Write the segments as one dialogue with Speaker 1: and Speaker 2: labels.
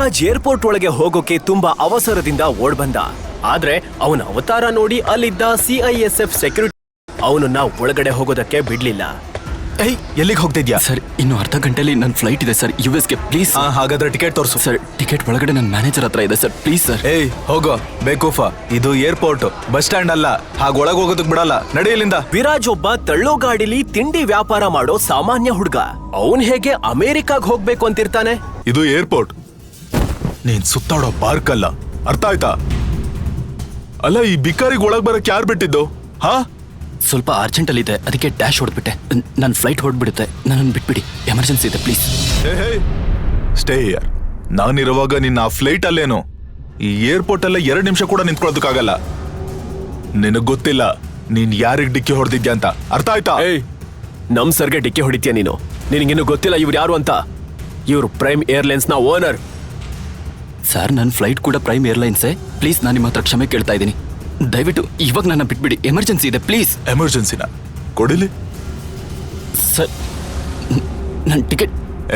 Speaker 1: Viraj airport ಒಳಗೆ ಹೋಗೋಕೆ ತುಂಬಾ ಅವಸರದಿಂದ ಓಡ್ಬಂದ. ಆದ್ರೆ ಅವನ ಅವತಾರ ನೋಡಿ ಅಲ್ಲಿದ್ದ CISF ಸೆಕ್ಯೂರಿಟಿ ಅವನನ್ನ ಒಳಗಡೆ ಹೋಗೋದಕ್ಕೆ ಬಿಡ್ಲಿಲ್ಲ.
Speaker 2: ಎಲ್ಲಿಗೆ ಹೋಗ್ತಿದ್ಯಾ?
Speaker 3: ಸರ್ ಇನ್ನು ಅರ್ಧ ಗಂಟೆಲಿ ನನ್ನ ಫ್ಲೈಟ್ ಇದೆ ಸರ್, US ಗೆ. ಪ್ಲೀಸ್.
Speaker 2: ಹಾಗಾದ್ರೆ ಟಿಕೆಟ್ ತೋರಿಸು.
Speaker 3: ಸರ್ ಟಿಕೆಟ್ ಒಳಗಡೆ ನನ್ನ ಮ್ಯಾನೇಜರ್ ಹತ್ರ ಇದೆ ಸರ್, ಪ್ಲೀಸ್ ಸರ್.
Speaker 2: ಹೋಗೋ ಬೇಕೂಫ, ಇದು ಏರ್ಪೋರ್ಟ್, ಬಸ್ ಸ್ಟ್ಯಾಂಡ್ ಅಲ್ಲ. ಹಾಗ ಒಳಗೆ ಹೋಗೋದಕ್ ಬಿಡಲ್ಲ, ನಡೆಯಲಿಂದ.
Speaker 1: ವಿರಾಜ್ ಒಬ್ಬ ತಳ್ಳೋ ಗಾಡಿಲಿ ತಿಂಡಿ ವ್ಯಾಪಾರ ಮಾಡೋ ಸಾಮಾನ್ಯ ಹುಡುಗ. ಅವನ್ ಹೇಗೆ ಅಮೆರಿಕಾಗ್ ಹೋಗ್ಬೇಕು ಅಂತಿರ್ತಾನೆ?
Speaker 2: ಇದು ಏರ್ಪೋರ್ಟ್, ನೀನ್ ಸುತ್ತಾಡೋ ಪಾರ್ಕ್ ಅಲ್ಲ, ಅರ್ಥ ಆಯ್ತಾ? ಅಲ್ಲ, ಈ ಬಿಕಾರಿಗೆ ಒಳಗ್ ಬರಕ್ ಯಾರು ಬಿಟ್ಟಿದ್ದು?
Speaker 3: ಸ್ವಲ್ಪ ಅರ್ಜೆಂಟ್ ಅಲ್ಲಿ ಇದೆ, ಅದಕ್ಕೆ ಡ್ಯಾಶ್ ಹೊಡ್ಬಿಟ್ಟೆ. ನನ್ನ ಫ್ಲೈಟ್ ಹೊಡ್ಬಿಡುತ್ತೆ, ನನ್ನನ್ನು ಬಿಟ್ಬಿಡಿ, ಎಮರ್ಜೆನ್ಸಿ ಇದೆ ಪ್ಲೀಸ್.
Speaker 2: Stay here. ನಾನಿರುವಾಗ ನಿನ್ನ ಆ ಫ್ಲೈಟ್ ಅಲ್ಲೇನು? ಈ ಏರ್ಪೋರ್ಟ್ ಅಲ್ಲೇ 2 ನಿಮಿಷ ಕೂಡ ನಿಂತ್ಕೊಳ್ಳೋದಕ್ಕಾಗಲ್ಲ. ನಿನಗ್ ಗೊತ್ತಿಲ್ಲ ನೀನ್ ಯಾರಿಗ್ ಡಿಕ್ಕಿ ಹೊಡೆದಿದ್ಯಾ ಅಂತ, ಅರ್ಥ ಆಯ್ತಾ?
Speaker 1: ನಮ್ ಸರ್ಗೆ ಡಿಕ್ಕಿ ಹೊಡಿತೀಯ ನೀನು? ನಿನಗಿನ್ನು ಗೊತ್ತಿಲ್ಲ ಇವ್ರು ಯಾರು ಅಂತ? ಇವ್ರು ಪ್ರೈಮ್ ಏರ್ಲೈನ್ಸ್ ನ ಓನರ್.
Speaker 3: ಸರ್ ನನ್ನ ಫ್ಲೈಟ್ ಕೂಡ ಪ್ರೈಮ್ ಏರ್ಲೈನ್ಸೇ. ಪ್ಲೀಸ್ ನಾನು ನಿಮ್ಮ ಹತ್ರ ಕ್ಷಮೆ ಕೇಳ್ತಾ ಇದ್ದೀನಿ, ದಯವಿಟ್ಟು ಇವಾಗ ನನ್ನ ಬಿಟ್ಬಿಡಿ, ಎಮರ್ಜೆನ್ಸಿ ಇದೆ ಪ್ಲೀಸ್.
Speaker 2: ಎಮರ್ಜೆನ್ಸಿನ ಕೊಡಿಲಿ
Speaker 3: ಸರ್, ನನ್ನ ಟಿಕೆಟ್.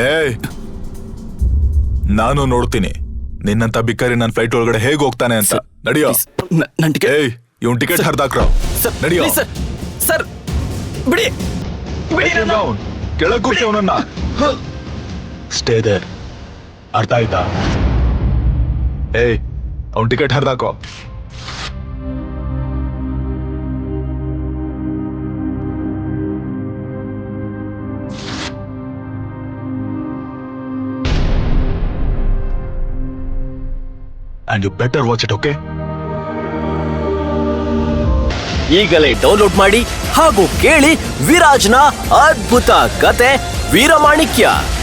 Speaker 2: ನಾನು ನೋಡ್ತೀನಿ ನಿನ್ನಂತ ಬಿಕಾರಿ ನನ್ನ ಫ್ಲೈಟ್ ಒಳಗಡೆ ಹೇಗೆ ಹೋಗ್ತಾನೆ ಅಂತ. ನಡಿಯೋ.
Speaker 3: ನನ್ನ ಟಿಕೆಟ್.
Speaker 2: ಇವನ್ ಟಿಕೆಟ್ ಹರಿದಾಕ್ರೋ. ನಡಿಯೋ
Speaker 3: ಸರ್, ಬಿಡಿ
Speaker 2: ಕೆಳಗ್ ಕೂರ್ಸಿ ಅವನನ್ನ. ಸ್ಟೇ ದೇರ್, ಅರ್ಥ ಆಯ್ತಾ? ಅವನ್ ಟಿಕೆಟ್ ಹರಿದಾಕೋ. And you better watch it, okay?
Speaker 1: ಈಗಲೇ ಡೌನ್ಲೋಡ್ ಮಾಡಿ ಹಾಗೂ ಕೇಳಿ ವಿರಾಜ್ನ ಅದ್ಭುತ ಕತೆ ವೀರಮಾಣಿಕ್ಯ.